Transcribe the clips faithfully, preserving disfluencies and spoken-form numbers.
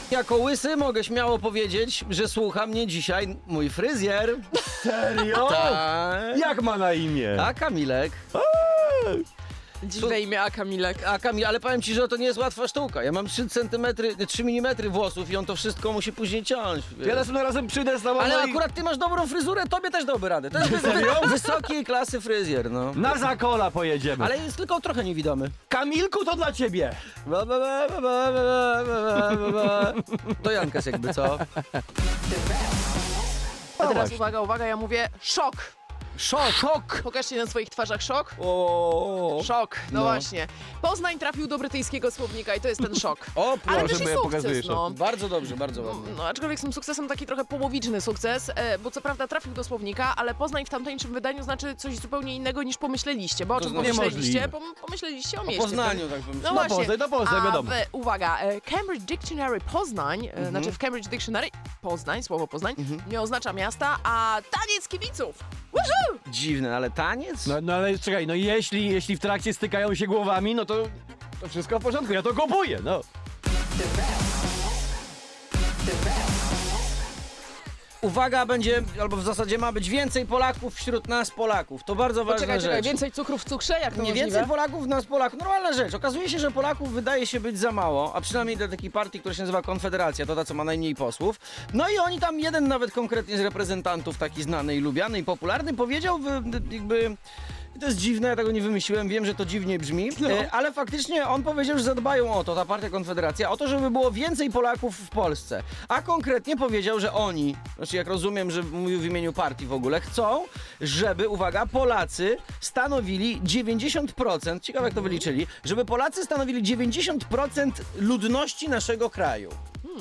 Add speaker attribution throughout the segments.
Speaker 1: Jako łysy mogę śmiało powiedzieć, że słucha mnie dzisiaj mój fryzjer.
Speaker 2: Serio?
Speaker 1: Tak.
Speaker 2: Jak ma na imię?
Speaker 1: A Kamilek.
Speaker 3: Dziwne imię, a Kamilek.
Speaker 1: A Kamil, ale powiem ci, że to nie jest łatwa sztuka. Ja mam trzy centymetry, trzy milimetry włosów i on to wszystko musi później ciąć.
Speaker 2: Ja następnym razem przyjdę z tobą
Speaker 1: Ale
Speaker 2: no i
Speaker 1: akurat ty masz dobrą fryzurę, tobie też dałby radę. To jest wys- wysokiej klasy fryzjer, no.
Speaker 2: na Zakola pojedziemy.
Speaker 1: Ale jest tylko trochę niewidomy.
Speaker 2: Kamilku, to dla ciebie.
Speaker 1: Ba, ba, ba, ba, ba, ba, ba, ba, ba. To Jankas jakby, co?
Speaker 3: A teraz
Speaker 2: właśnie.
Speaker 3: uwaga, uwaga, ja mówię szok.
Speaker 1: Szok! Szok!
Speaker 3: Pokażcie na swoich twarzach szok.
Speaker 1: O,
Speaker 3: Szok, no,
Speaker 1: No.
Speaker 3: właśnie. Poznań trafił do brytyjskiego słownika i to jest ten szok.
Speaker 1: o
Speaker 3: Ale
Speaker 1: proszę.
Speaker 3: też i
Speaker 2: bo ja pokazuję
Speaker 3: sukces,
Speaker 2: szok.
Speaker 3: no.
Speaker 1: Bardzo dobrze, bardzo ładnie.
Speaker 3: No, aczkolwiek z tym sukcesem taki trochę połowiczny sukces, e, bo co prawda trafił do słownika, ale Poznań w tamtejszym wydaniu znaczy coś zupełnie innego niż pomyśleliście. Bo o
Speaker 1: To
Speaker 3: czym
Speaker 1: znaczy-
Speaker 3: pomyśleliście?
Speaker 2: Niemożliwe.
Speaker 3: Pom pomyśleliście o
Speaker 1: O
Speaker 3: mieście.
Speaker 1: Poznaniu, tak bym
Speaker 3: No
Speaker 2: No
Speaker 3: właśnie.
Speaker 2: Poznań, no Poznań,
Speaker 3: A
Speaker 2: wiadomo.
Speaker 3: w, uwaga, e, Cambridge Dictionary Poznań, e,
Speaker 1: Mhm.
Speaker 3: znaczy w Cambridge Dictionary Poznań, słowo Poznań, nie oznacza miasta, a taniec kibiców. Woohoo!
Speaker 1: Dziwne, ale taniec?
Speaker 2: No, no ale czekaj, no jeśli, jeśli w trakcie stykają się głowami, no to, to wszystko w porządku, ja to kupuję, no.
Speaker 1: Uwaga, będzie, albo w zasadzie ma być więcej Polaków wśród nas Polaków. To bardzo ważna
Speaker 3: Poczekaj,
Speaker 1: rzecz.
Speaker 3: czekaj, więcej cukru w cukrze? Jak to
Speaker 1: Nie
Speaker 3: możliwe?
Speaker 1: więcej Polaków nas Polaków. Normalna rzecz. Okazuje się, że Polaków wydaje się być za mało, a przynajmniej dla takiej partii, która się nazywa Konfederacja, to ta, co ma najmniej posłów. No i oni tam, jeden nawet konkretnie z reprezentantów, taki znany i lubiany i popularny, powiedział wy- jakby... To jest dziwne, ja tego nie wymyśliłem, wiem, że to dziwnie brzmi,
Speaker 3: No.
Speaker 1: e, ale faktycznie on powiedział, że zadbają o to, ta partia Konfederacja, o to, żeby było więcej Polaków w Polsce. A konkretnie powiedział, że oni, znaczy jak rozumiem, że mówił w imieniu partii w ogóle, chcą, żeby, uwaga, Polacy stanowili dziewięćdziesiąt procent, ciekawe jak to wyliczyli, żeby Polacy stanowili dziewięćdziesiąt procent ludności naszego kraju.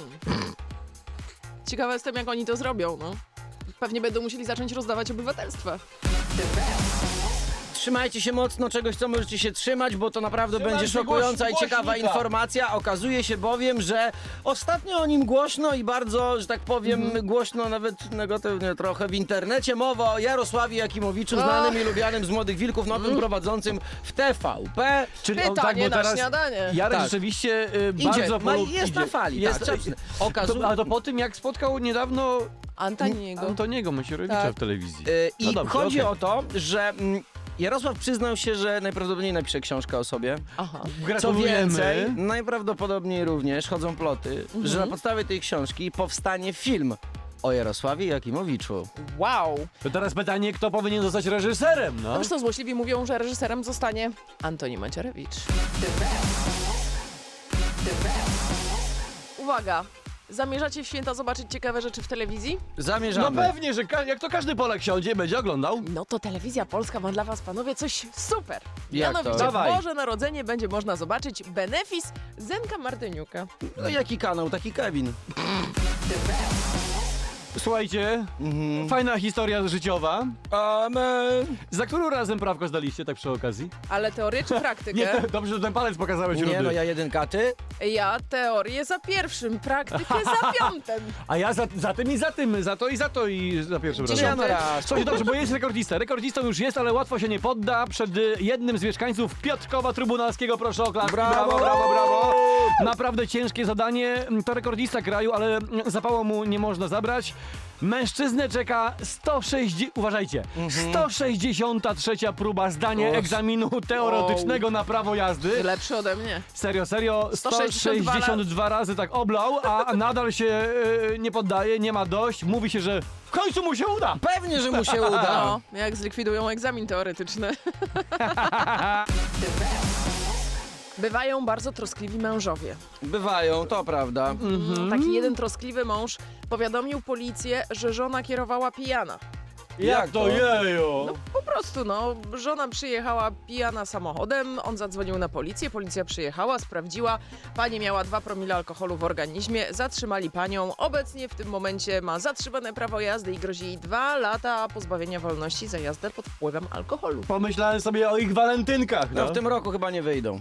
Speaker 3: Ciekawa jestem, jak oni to zrobią, no. Pewnie będą musieli zacząć rozdawać obywatelstwa.
Speaker 1: Trzymajcie się mocno czegoś, co możecie się trzymać, bo to naprawdę
Speaker 2: Trzymaj
Speaker 1: będzie
Speaker 2: się
Speaker 1: szokująca i
Speaker 2: głoś-
Speaker 1: ciekawa
Speaker 2: głośnika.
Speaker 1: informacja. Okazuje się bowiem, że ostatnio o nim głośno i bardzo, że tak powiem,
Speaker 3: Mhm.
Speaker 1: głośno, nawet negatywnie trochę w internecie. Mowa o Jarosławie Jakimowiczu, znanym i lubianym z Młodych Wilków, nowym
Speaker 3: Mhm.
Speaker 1: prowadzącym w T V P.
Speaker 2: Czyli
Speaker 3: Pytanie na śniadanie.
Speaker 2: Jarek
Speaker 1: Tak.
Speaker 2: rzeczywiście y,
Speaker 1: Idzie,
Speaker 2: bardzo
Speaker 1: ma,
Speaker 2: polu-
Speaker 1: jest
Speaker 2: idzie.
Speaker 1: na fali.
Speaker 2: Jest,
Speaker 1: tak,
Speaker 2: to,
Speaker 1: okazuje...
Speaker 2: a to po tym, jak spotkał niedawno
Speaker 3: Antoniego.
Speaker 2: Antoniego Macierewicza
Speaker 1: Tak.
Speaker 2: w telewizji.
Speaker 1: Yy,
Speaker 2: No
Speaker 1: I
Speaker 2: dobrze,
Speaker 1: chodzi
Speaker 2: okej.
Speaker 1: o to, że mm, Jarosław przyznał się, że najprawdopodobniej napisze książkę o sobie.
Speaker 3: Aha.
Speaker 1: Co
Speaker 2: Gratulujemy.
Speaker 1: więcej, najprawdopodobniej również chodzą ploty,
Speaker 3: Mhm.
Speaker 1: że na podstawie tej książki powstanie film o Jarosławie Jakimowiczu.
Speaker 3: Wow.
Speaker 2: To teraz pytanie, kto powinien zostać reżyserem, no?
Speaker 3: No wiesz co, złośliwi mówią, że reżyserem zostanie Antoni Macierewicz. Uwaga! Zamierzacie w święta zobaczyć ciekawe rzeczy w telewizji?
Speaker 2: No
Speaker 1: Zamierzamy.
Speaker 2: pewnie, że ka- jak to każdy Polak siądzie, będzie oglądał.
Speaker 3: No to Telewizja Polska ma dla was, panowie, coś super!
Speaker 1: Jak to?
Speaker 3: Mianowicie
Speaker 2: Dawaj.
Speaker 3: w Boże Narodzenie będzie można zobaczyć benefis Zenka Martyniuka.
Speaker 1: No jaki kanał, taki Kevin.
Speaker 2: Słuchajcie,
Speaker 1: Mhm.
Speaker 2: fajna historia życiowa.
Speaker 1: Amen.
Speaker 2: Za którym razem prawko zdaliście, tak przy okazji?
Speaker 3: Ale teorię czy
Speaker 2: Nie,
Speaker 3: praktykę?
Speaker 2: te, dobrze, że ten palec pokazałeś,
Speaker 1: Nie
Speaker 2: Rudy.
Speaker 1: no, ja jedynka, ty?
Speaker 3: Ja teorię za pierwszym, praktykę za piątym.
Speaker 2: A ja za, za tym i za tym, za to i za to i za pierwszym razem.
Speaker 3: Dziesiąty.
Speaker 1: Ja no raz.
Speaker 2: Słuchajcie, dobrze, bo jest rekordista. Rekordistą już jest, ale łatwo się nie podda. Przed y, jednym z mieszkańców Piotrkowa Trybunalskiego, proszę o klaski.
Speaker 1: Brawo!
Speaker 2: brawo, brawo, brawo. Naprawdę ciężkie zadanie. To rekordista kraju, ale mm, zapału mu nie można zabrać. Mężczyznę czeka sto sześćdziesiąt, uważajcie, sto sześćdziesiąta trzecia próba zdania
Speaker 1: Och.
Speaker 2: egzaminu teoretycznego na prawo jazdy.
Speaker 3: Lepszy ode mnie.
Speaker 2: Serio, serio,
Speaker 3: sto
Speaker 2: sto
Speaker 3: sześćdziesiąt dwa
Speaker 2: sześćdziesiąt dwa razy tak oblał, a nadal się y, nie poddaje, nie ma dość. Mówi się, że w końcu mu się uda.
Speaker 1: Pewnie, że mu się uda.
Speaker 3: No, jak zlikwidują egzamin teoretyczny. Bywają bardzo troskliwi mężowie.
Speaker 1: Bywają, to prawda.
Speaker 3: Taki jeden troskliwy mąż powiadomił policję, że żona kierowała pijana.
Speaker 1: Jak to?
Speaker 2: jejo?
Speaker 3: No po prostu, no, żona przyjechała pijana samochodem, on zadzwonił na policję, policja przyjechała, sprawdziła, pani miała dwa promile alkoholu w organizmie, zatrzymali panią, obecnie w tym momencie ma zatrzymane prawo jazdy i grozi jej dwa lata pozbawienia wolności za jazdę pod wpływem alkoholu.
Speaker 2: Pomyślałem sobie o ich walentynkach, no.
Speaker 1: No w tym roku chyba nie wyjdą.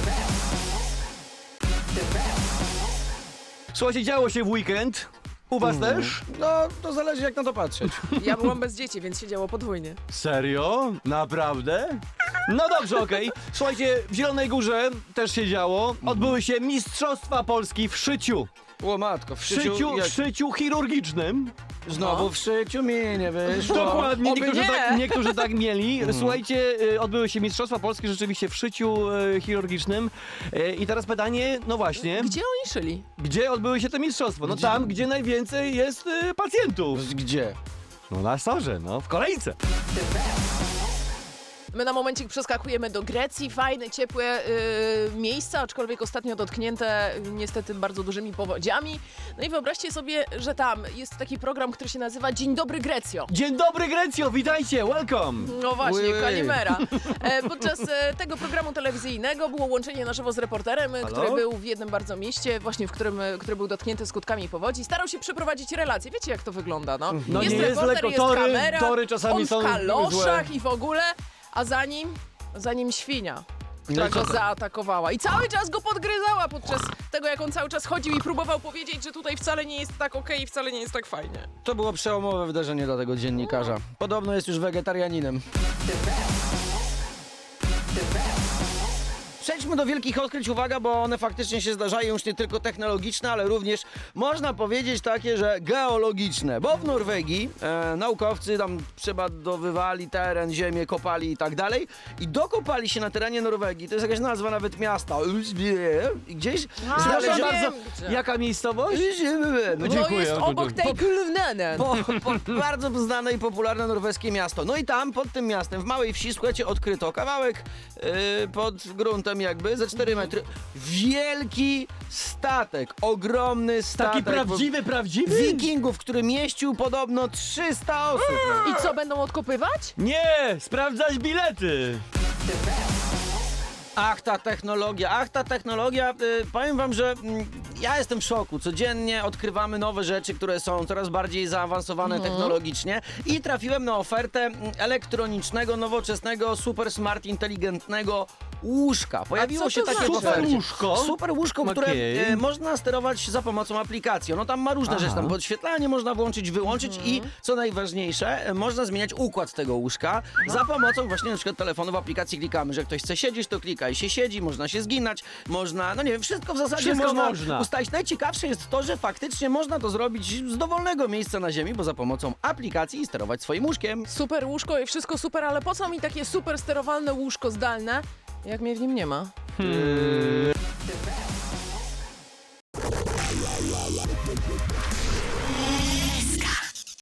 Speaker 2: Słuchajcie, działo się w weekend. U was też?
Speaker 1: No, to zależy jak na to patrzeć.
Speaker 3: Ja byłam bez dzieci, więc się działo podwójnie.
Speaker 2: Serio? Naprawdę? No dobrze, okej. Słuchajcie, w Zielonej Górze też się działo. Odbyły się Mistrzostwa Polski w szyciu.
Speaker 1: O matko, w
Speaker 2: W
Speaker 1: szyciu,
Speaker 2: szyciu,
Speaker 1: jak,
Speaker 2: w szyciu chirurgicznym.
Speaker 1: znowu
Speaker 3: No.
Speaker 1: w szyciu mi nie wyszło.
Speaker 2: Dokładnie,
Speaker 3: Oby
Speaker 2: niektórzy
Speaker 3: nie.
Speaker 2: tak, niektórzy tak mieli. Słuchajcie, y, odbyły się Mistrzostwa Polskie rzeczywiście w szyciu y, chirurgicznym. Y, I teraz pytanie, no właśnie,
Speaker 3: Gdzie oni szyli?
Speaker 2: gdzie odbyły się te mistrzostwa? No
Speaker 1: Gdzie?
Speaker 2: tam, gdzie najwięcej jest y, pacjentów.
Speaker 1: Gdzie?
Speaker 2: No na sorze, no, w kolejce.
Speaker 3: My na momencik przeskakujemy do Grecji. Fajne, ciepłe y, miejsca, aczkolwiek ostatnio dotknięte y, niestety bardzo dużymi powodziami. No i wyobraźcie sobie, że tam jest taki program, który się nazywa Dzień dobry Grecjo.
Speaker 2: Dzień dobry Grecjo, witajcie, welcome.
Speaker 3: No właśnie,
Speaker 1: Ui, ui.
Speaker 3: Kalimera. E, podczas e, tego programu telewizyjnego było łączenie na żywo z reporterem, e,
Speaker 2: Halo?
Speaker 3: który był w jednym bardzo mieście, właśnie w którym, e, który był dotknięty skutkami powodzi. Starał się przeprowadzić relacje. Wiecie, jak to wygląda, no?
Speaker 2: No
Speaker 3: jest
Speaker 2: nie jest
Speaker 3: reporter,
Speaker 2: lekko,
Speaker 3: jest
Speaker 2: tory-
Speaker 3: kamera,
Speaker 2: tory czasami
Speaker 3: on
Speaker 2: są
Speaker 3: w kaloszach
Speaker 2: złe.
Speaker 3: i w ogóle, a za nim, za nim świnia,
Speaker 1: No
Speaker 3: która
Speaker 1: i co
Speaker 3: go
Speaker 1: to?
Speaker 3: zaatakowała. I cały czas go podgryzała podczas tego, jak on cały czas chodził i próbował powiedzieć, że tutaj wcale nie jest tak okej i wcale nie jest tak fajnie.
Speaker 1: To było przełomowe wydarzenie dla tego dziennikarza. Podobno jest już wegetarianinem. Przejdźmy do wielkich odkryć, uwaga, bo one faktycznie się zdarzają już nie tylko technologiczne, ale również można powiedzieć takie, że geologiczne. Bo w Norwegii e, naukowcy tam przebadowywali teren, ziemię, kopali i tak dalej i dokopali się na terenie Norwegii, to jest jakaś nazwa nawet miasta, i gdzieś
Speaker 3: A,
Speaker 2: Proszę
Speaker 3: wiem,
Speaker 2: bardzo,
Speaker 3: gdzie.
Speaker 2: jaka miejscowość?
Speaker 1: No,
Speaker 3: To
Speaker 2: Dziękuję,
Speaker 3: jest obok
Speaker 2: dziękuję.
Speaker 3: tej Kulnenen.
Speaker 1: po, po, bardzo znane i popularne norweskie miasto. No i tam, pod tym miastem, w małej wsi, słuchajcie, odkryto kawałek yy, pod gruntem jakby, ze cztery metry. Wielki statek, ogromny statek.
Speaker 2: Taki prawdziwy, prawdziwy?
Speaker 1: Wikingów, który mieścił podobno trzysta osób.
Speaker 3: I co, będą odkopywać?
Speaker 2: Nie, sprawdzać bilety.
Speaker 1: Ach, ta technologia, ach, ta technologia. Y, powiem wam, że mm, ja jestem w szoku. Codziennie odkrywamy nowe rzeczy, które są coraz bardziej zaawansowane technologicznie i trafiłem na ofertę mm, elektronicznego, nowoczesnego, super smart, inteligentnego łóżka. Pojawiło
Speaker 3: co
Speaker 1: się
Speaker 3: to
Speaker 1: takie
Speaker 3: znaczy?
Speaker 1: w ofercie.
Speaker 2: Super łóżko?
Speaker 1: Super łóżko, które
Speaker 2: Okej.
Speaker 1: e, można sterować za pomocą aplikacji. No tam ma różne
Speaker 2: Aha.
Speaker 1: rzeczy, tam podświetlanie można włączyć, wyłączyć i co najważniejsze, e, można zmieniać układ tego łóżka za pomocą właśnie na przykład telefonu w aplikacji klikamy, że ktoś chce siedzieć, to klika i się siedzi, można się zginać, można, no nie wiem, wszystko w zasadzie
Speaker 2: Wszystko
Speaker 1: można,
Speaker 2: można.
Speaker 1: ustalić. Najciekawsze jest to, że faktycznie można to zrobić z dowolnego miejsca na ziemi, bo za pomocą aplikacji sterować swoim łóżkiem.
Speaker 3: Super łóżko i wszystko super, ale po co mi takie super sterowalne łóżko zdalne, jak mnie w nim nie ma?
Speaker 2: Hmm.